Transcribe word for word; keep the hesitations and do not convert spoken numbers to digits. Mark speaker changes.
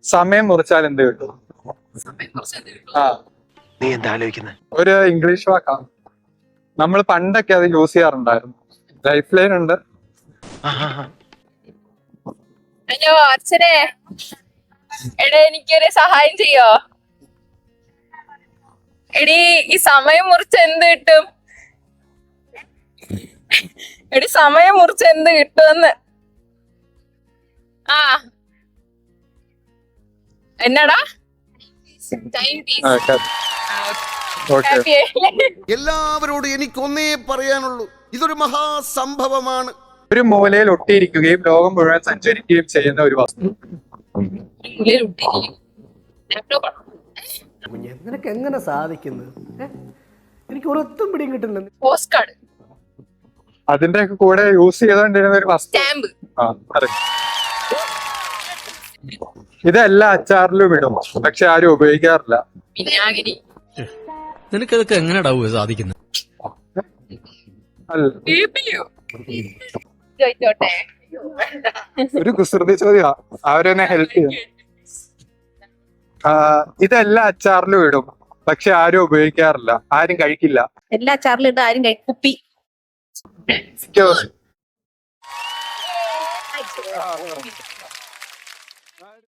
Speaker 1: സമയം മുറിച്ചാൽ എന്ത് കിട്ടും? ആ
Speaker 2: നീ എന്താ ആലോചിക്കുന്നത്?
Speaker 1: ഒരു ഇംഗ്ലീഷ് വാക്കാണ്. നമ്മൾ പണ്ടൊക്കെ അത് യൂസ് ചെയ്യാറുണ്ടായിരുന്നു. ലൈഫ് ലൈൻ ഉണ്ട്.
Speaker 3: ഹലോ അച്ഛനെ, എടേ എനിക്കൊരു സഹായം ചെയ്യോ? എടി ഈ സമയം മുറിച്ച് എന്ത് കിട്ടും? എടി സമയം മുറിച്ച് എന്ത് കിട്ടുമെന്ന്. ആ എന്നടാ? Timepiece.
Speaker 2: എല്ലാവരോടും എനിക്കൊന്നേ പറയാനുള്ളൂ, ഇതൊരു മഹാസംഭവമാണ്.
Speaker 1: ഒരു മൂലയിൽ ഒട്ടിയിരിക്കുകയും ലോകം മുഴുവൻ സഞ്ചരിക്കുകയും ചെയ്യുന്ന ഒരു വസ്തു.
Speaker 4: നിനക്ക് എങ്ങനെ സാധിക്കുന്നത്? എനിക്ക് ഒരൊത്തും പിടിയും കിട്ടുന്നില്ല.
Speaker 3: Post card.
Speaker 1: അതിന്റെ ഒക്കെ കൂടെ യൂസ് ചെയ്തോണ്ടിരുന്ന ഒരു വസ്തു.
Speaker 3: സ്റ്റാമ്പ്.
Speaker 1: ആ അതെ. ഇതെല്ലാം അച്ചാറിലും ഇടും, പക്ഷെ ആരും ഉപയോഗിക്കാറില്ല.
Speaker 3: വിനാഗിരി.
Speaker 5: നിനക്കതൊക്കെ എങ്ങനെയാ സാധിക്കുന്നത്?
Speaker 1: അല്ല,
Speaker 3: ചോദിച്ചോട്ടെ.
Speaker 1: ഒരു കുസൃതി ചോദ്യാ, അവരെന്നെ ഹെൽപ്പ് ചെയ്യും. ഇതെല്ലാം അച്ചാറിലും ഇടും, പക്ഷെ ആരും ഉപയോഗിക്കാറില്ല, ആരും കഴിക്കില്ല.
Speaker 3: എല്ലാ അച്ചാറിലും ഇട്ട് ആരും കഴിക്കും. കുപ്പി.
Speaker 1: Excuse.